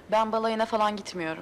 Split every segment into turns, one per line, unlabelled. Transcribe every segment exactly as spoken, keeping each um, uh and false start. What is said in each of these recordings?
Ben balayına falan gitmiyorum.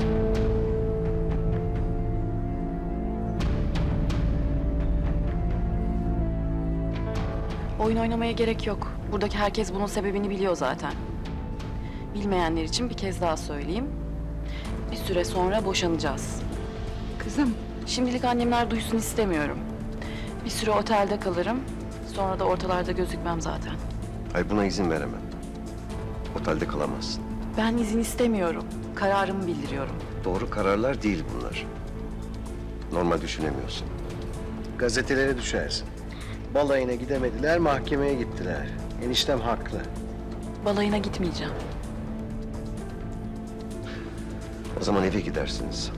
Oyun oynamaya gerek yok. Buradaki herkes bunun sebebini biliyor zaten. Bilmeyenler için bir kez daha söyleyeyim. Bir süre sonra boşanacağız.
Kızım.
Şimdilik annemler duysun istemiyorum. Bir süre otelde kalırım. Sonra da ortalarda gözükmem zaten.
Hayır, buna izin veremem. Otelde kalamazsın.
Ben izin istemiyorum. Kararımı bildiriyorum.
Doğru kararlar değil bunlar. Normal düşünemiyorsun.
Gazetelere düşersin. Balayına gidemediler, mahkemeye gittiler. Eniştem haklı.
Balayına gitmeyeceğim.
O zaman eve gidersiniz.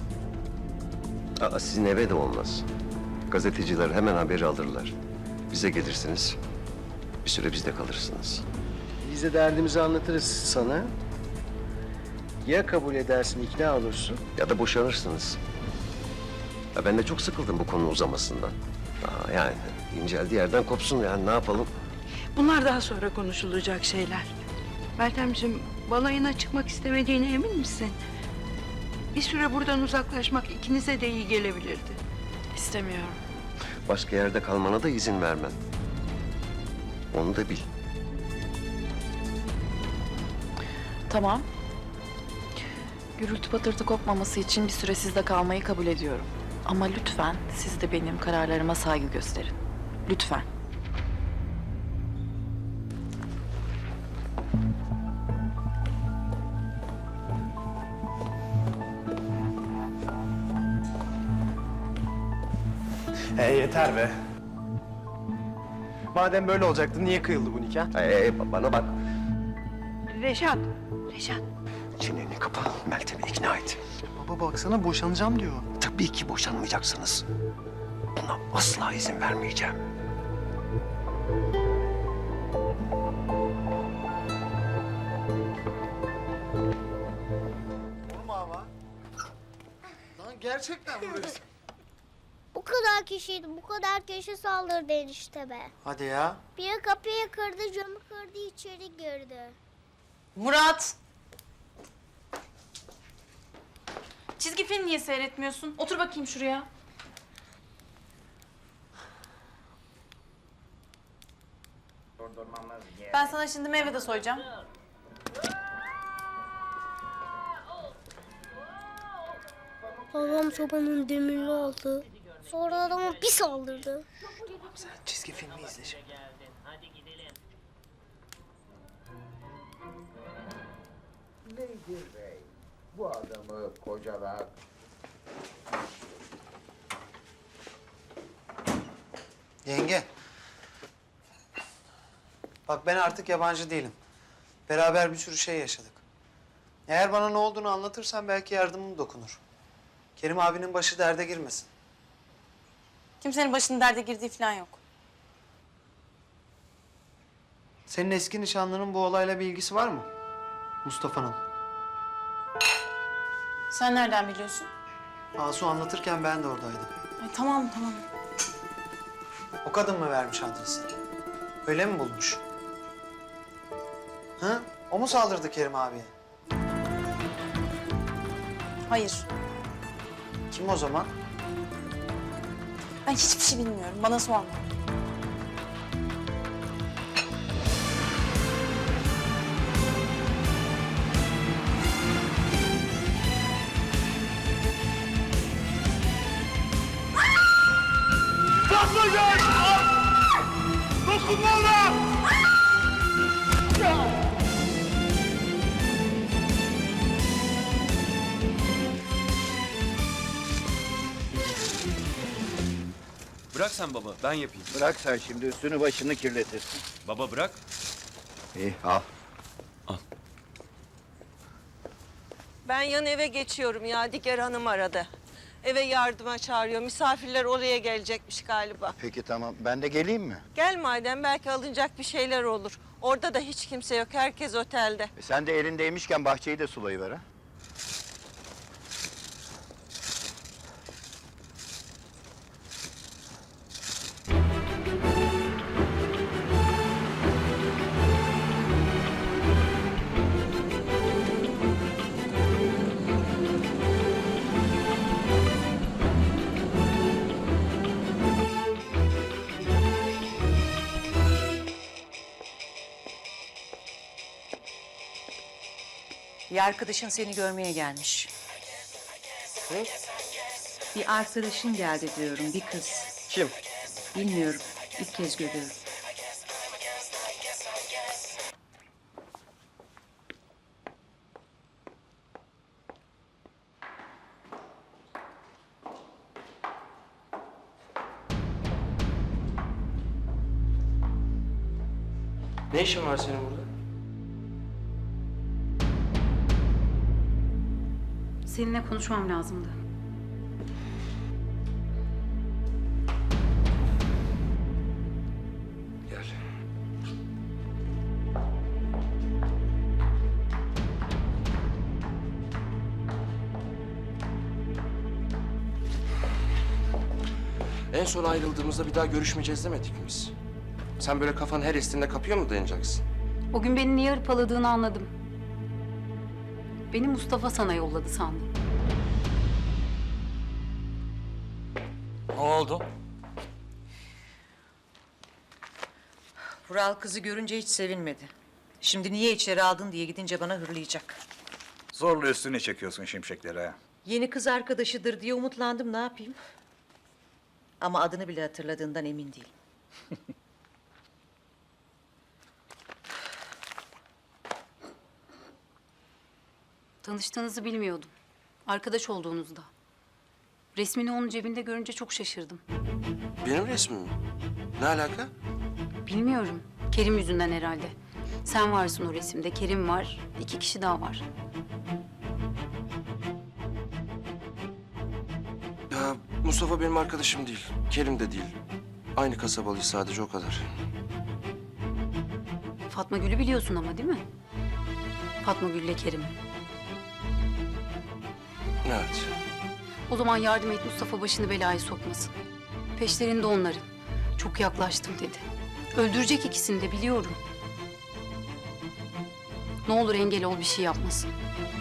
Aa, sizin eve de olmaz. Gazeteciler hemen haberi alırlar. Bize gelirsiniz. Bir süre bizde kalırsınız.
Biz de derdimizi anlatırız sana. Ya kabul edersin, ikna olursun.
Ya da boşanırsınız. Ya ben de çok sıkıldım bu konu uzamasından. Aa, yani inceldiği yerden kopsun, yani ne yapalım?
Bunlar daha sonra konuşulacak şeyler. Meltemciğim, balayına çıkmak istemediğine emin misin? Bir süre buradan uzaklaşmak ikinize de iyi gelebilirdi.
İstemiyorum.
Başka yerde kalmana da izin vermem. Onu da bil.
Tamam. Gürültü patırtı kopmaması için bir süre sizde kalmayı kabul ediyorum. Ama lütfen siz de benim kararlarıma saygı gösterin. Lütfen.
Ee, yeter be. Madem böyle olacaktı niye kıyıldı bu nikah?
Ee, bana bak.
Reşat, Reşat.
Çeneni kapa, Meltem'i ikna et.
Baba baksana boşanacağım diyor.
Tabii ki boşanmayacaksınız. Buna asla izin vermeyeceğim.
Lan gerçekten vuruyorsun.
Bu kadar kişiydi, bu kadar kişi saldırdı enişteme.
Hadi ya.
Biri kapıyı kırdı, camı kırdı, içeri girdi.
Murat! Çizgi film niye seyretmiyorsun? Otur bakayım şuraya. Ben sana şimdi meyve de soyacağım.
Babam sobanın demirli aldı. Sonra adama bir saldırdı.
Sen çizgi filmi izle şimdi.
Beygir Bey, bu adamı kocalar.
Yenge. Bak ben artık yabancı değilim. Beraber bir sürü şey yaşadık. Eğer bana ne olduğunu anlatırsan belki yardımım dokunur. Kerim abinin başı derde girmesin.
Kimsenin başının derde girdiği falan yok.
Senin eski nişanlının bu olayla bir ilgisi var mı? Mustafa'nın.
Sen nereden biliyorsun?
Asu anlatırken ben de oradaydım.
Ay tamam tamam.
O kadın mı vermiş adresi? Öyle mi bulmuş? Ha? O mu saldırdı Kerim abiye?
Hayır.
Kim o zaman?
Ben hiçbir şey bilmiyorum. Bana sorma.
Dokunma ona!
Bırak sen baba, ben yapayım.
Bırak sen şimdi üstünü başını kirletirsin.
Baba bırak.
İyi al.
Ben yan eve geçiyorum ya. Diger Hanım aradı. Eve yardıma çağırıyor. Misafirler oraya gelecekmiş galiba.
Peki tamam ben de geleyim mi?
Gel madem belki alınacak bir şeyler olur. Orada da hiç kimse yok. Herkes otelde.
E, sen de elindeymişken bahçeyi de sulayıver ha.
Bir arkadaşın seni görmeye gelmiş. Bir arkadaşın geldi diyorum, bir kız.
Kim?
Bilmiyorum, ilk kez görüyorum.
Ne işin var senin burada?
Seninle konuşmam lazımdı.
Gel.
En son ayrıldığımızda bir daha görüşmeyeceğiz demedik mi biz? Sen böyle kafan her estiğinde kapıya mı dayanacaksın?
O gün beni niye hırpaladığını anladım. Beni Mustafa sana yolladı sandım.
Ne oldu?
Vural kızı görünce hiç sevinmedi. Şimdi niye içeri aldın diye gidince bana hırlayacak.
Zorla üstüne çekiyorsun şimşekleri ha.
Yeni kız arkadaşıdır diye umutlandım, ne yapayım? Ama adını bile hatırladığından emin değilim.
Tanıştığınızı bilmiyordum. Arkadaş olduğunuzda. Resmini onun cebinde görünce çok şaşırdım.
Benim resmim mi? Ne alaka?
Bilmiyorum. Kerim yüzünden herhalde. Sen varsın o resimde, Kerim var, iki kişi daha var.
Ya Mustafa benim arkadaşım değil. Kerim de değil. Aynı kasabalıyız sadece, o kadar.
Fatma Gül'ü biliyorsun ama değil mi? Fatma Gül'le Kerim.
Evet.
O zaman yardım et, Mustafa başını belaya sokmasın. Peşlerinde onların. Çok yaklaştım dedi. Öldürecek ikisini de biliyorum. Ne olur engel ol, bir şey yapmasın.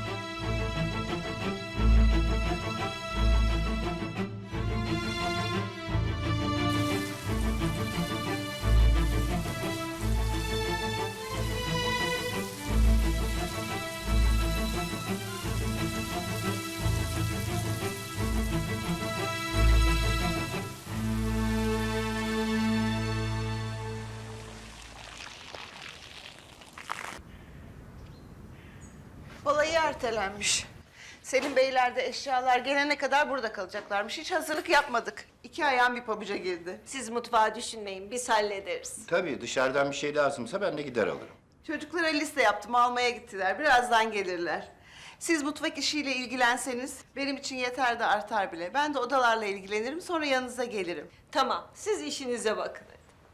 Balayı ertelenmiş. Selim Beyler de eşyalar gelene kadar burada kalacaklarmış. Hiç hazırlık yapmadık. İki ayağım bir pabuca girdi.
Siz mutfağı düşünmeyin, biz hallederiz.
Tabii dışarıdan bir şey lazımsa ben de gider alırım.
Çocuklara liste yaptım, almaya gittiler. Birazdan gelirler. Siz mutfak işiyle ilgilenseniz benim için yeter de artar bile. Ben de odalarla ilgilenirim, sonra yanınıza gelirim.
Tamam, siz işinize bakın.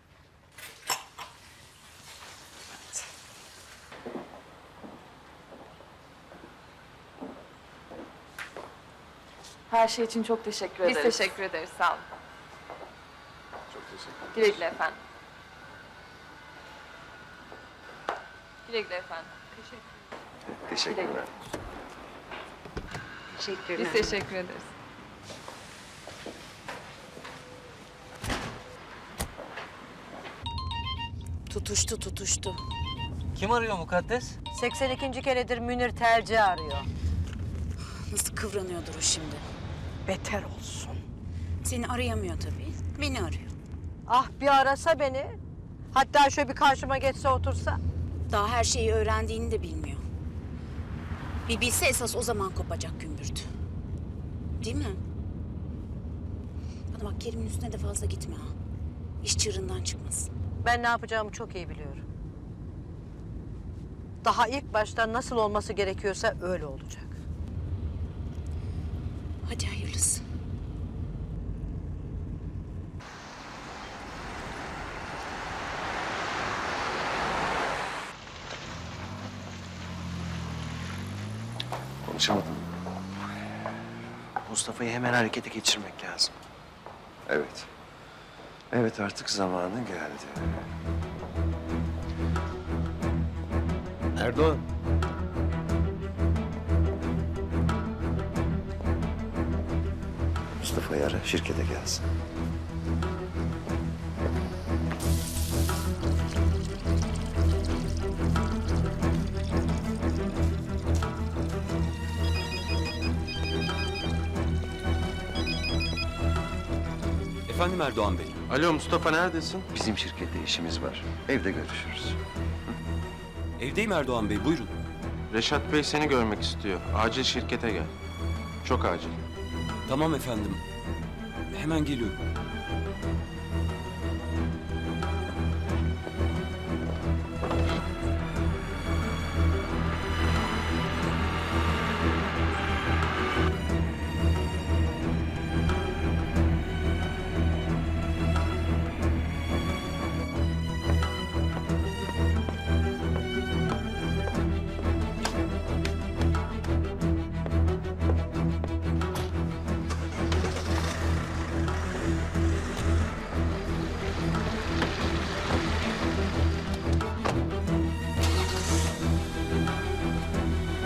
Her şey için çok teşekkür ederiz.
Biz teşekkür ederiz. Sağ olun.
Çok teşekkür ederim.
Güle güle efendim. Güle güle efendim.
Teşekkürler.
Teşekkürler.
Biz teşekkür ederiz.
Tutuştu, tutuştu.
Kim arıyor mukaddes?
seksen ikinci keredir Münir Terci arıyor.
Nasıl kıvranıyordur o şimdi?
Beter olsun.
Seni arayamıyor tabii. Beni arıyor.
Ah bir arasa beni. Hatta şöyle bir karşıma geçse otursa.
Daha her şeyi öğrendiğini de bilmiyor. Bir bilse esas o zaman kopacak gümbürdü. Değil mi? Bana bak, Kerim'in üstüne de fazla gitme ha. İş çığırından çıkmasın.
Ben ne yapacağımı çok iyi biliyorum. Daha ilk baştan nasıl olması gerekiyorsa öyle olacak.
Hadi hayırlısı.
Konuşamadım.
Mustafa'yı hemen harekete geçirmek lazım.
Evet. Evet, artık zamanı geldi. Erdoğan. Mustafa'yı ara, şirkete gelsin.
Efendim Erdoğan Bey.
Alo Mustafa, neredesin?
Bizim şirkette işimiz var. Evde görüşürüz.
Evdeyim Erdoğan Bey, buyurun.
Reşat Bey seni görmek istiyor. Acil şirkete gel. Çok acil.
Tamam efendim. Hemen geliyorum.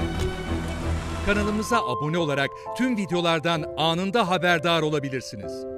Kanalımıza abone olarak tüm videolardan anında haberdar olabilirsiniz.